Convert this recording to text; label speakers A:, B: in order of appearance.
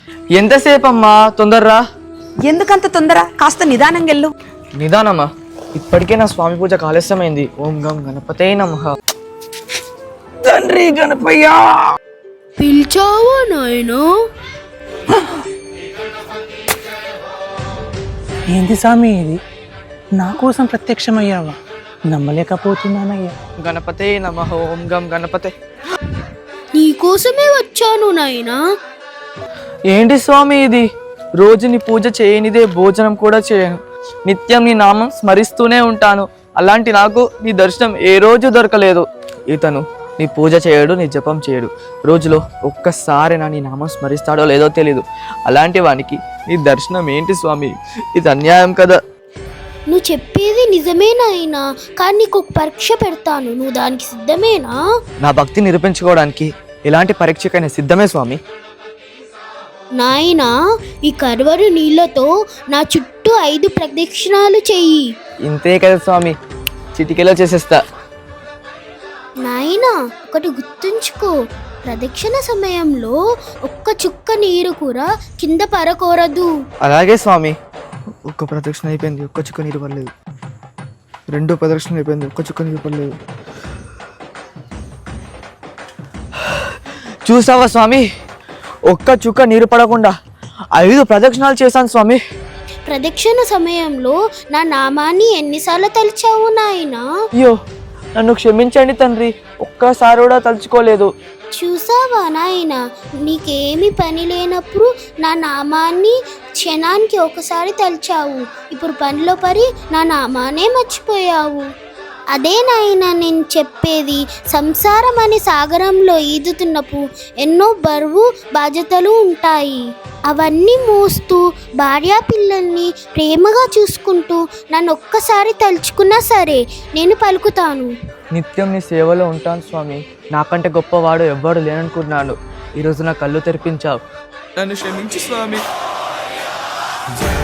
A: ఎంతసేపు అమ్మా, తొందరరా.
B: ఎందుకంత తొందర? కాస్త నిదానంగా వెళ్ళు.
A: నిదానమ్మా, ఇప్పటికే నా స్వామి పూజ ఆలస్యమైంది. ఓం గం గణపతే నమః. తండ్రి గణపయ్య,
C: పిలిచావా నాయనా?
D: ఏంది స్వామి ఇది? నా కోసం ప్రత్యక్షమయ్యావా? నమ్మలేకపోతున్నానయ్యా.
A: గణపతే నమః. ఓం గం గణపతే.
C: నీకోసమే వచ్చాను నాయనా.
A: ఏంటి స్వామి ఇది? రోజు నీ పూజ చేయనిదే భోజనం కూడా చేయను. నిత్యం నీ నామం స్మరిస్తూనే ఉంటాను. అలాంటి నాకు నీ దర్శనం ఏ రోజు దొరకలేదు. ఇతను నీ పూజ చేయడు, నీ జపం చేయడు. రోజులో ఒక్కసారి నీ నామం స్మరిస్తాడో లేదో తెలీదు. అలాంటి వానికి నీ దర్శనం ఏంటి స్వామి? ఇది అన్యాయం కదా.
C: నువ్వు చెప్పేది నిజమే నాయనా, కానీ నీకు ఒక పరీక్ష పెడతాను. నువ్వు దానికి సిద్ధమేనా?
A: నా భక్తి నిరూపించుకోవడానికి ఎలాంటి పరీక్షకైనా సిద్ధమే స్వామి.
C: నాయనా, ఈ కరువరు నీళ్ళతో నా చుట్టూ 5 ప్రదక్షిణాలు చెయ్యి.
A: ఇంతే కదా స్వామి, చిటికెలో చేసేస్తా.
C: నాయనా, ఒకటి గుర్తుంచుకో, ప్రదక్షిణ సమయంలో ఒక్క చుక్క నీరు కూడా కింద పడకూడదు.
A: అలాగే స్వామి. ఒక్క ప్రదక్షిణ అయిపోయింది, ఒక్క చుక్క నీరు పడలేదు. 2 ప్రదక్షిణ అయిపోయింది, ఒక్క చుక్క నీరు పడలేదు. చూసావా స్వామి, ఒక్క చుక్క నీరు పడకుండా 5 ప్రదక్షిణాలు చేశాను స్వామి.
C: ప్రదక్షిణ సమయంలో నా నామాన్ని ఎన్నిసార్లు తలిచావు నాయనా?
A: అయ్యో, నన్ను క్షమించండి తండ్రి, ఒక్కసారి కూడా తలుచుకోలేదు.
C: చూసావా నాయనా, నీకేమి పని లేనప్పుడు నా నామాన్ని క్షణానికి ఒకసారి తలిచావు. ఇప్పుడు పనిలో పడి నా నామానే మర్చిపోయావు. అదే నాయనా నేను చెప్పేది. సంసారం అనే సాగరంలో ఈదుతున్నప్పుడు ఎన్నో బరువు బాధ్యతలు ఉంటాయి. అవన్నీ మోస్తూ భార్యా పిల్లల్ని ప్రేమగా చూసుకుంటూ నన్ను ఒక్కసారి తలుచుకున్నా సరే నేను పలుకుతాను.
A: నిత్యం నీ సేవలో ఉంటాను స్వామి. నాకంటే గొప్పవాడు ఎవ్వడు లేననుకున్నాను. ఈరోజు నా కళ్ళు తెరిపించావు. నన్ను క్షమించు స్వామి.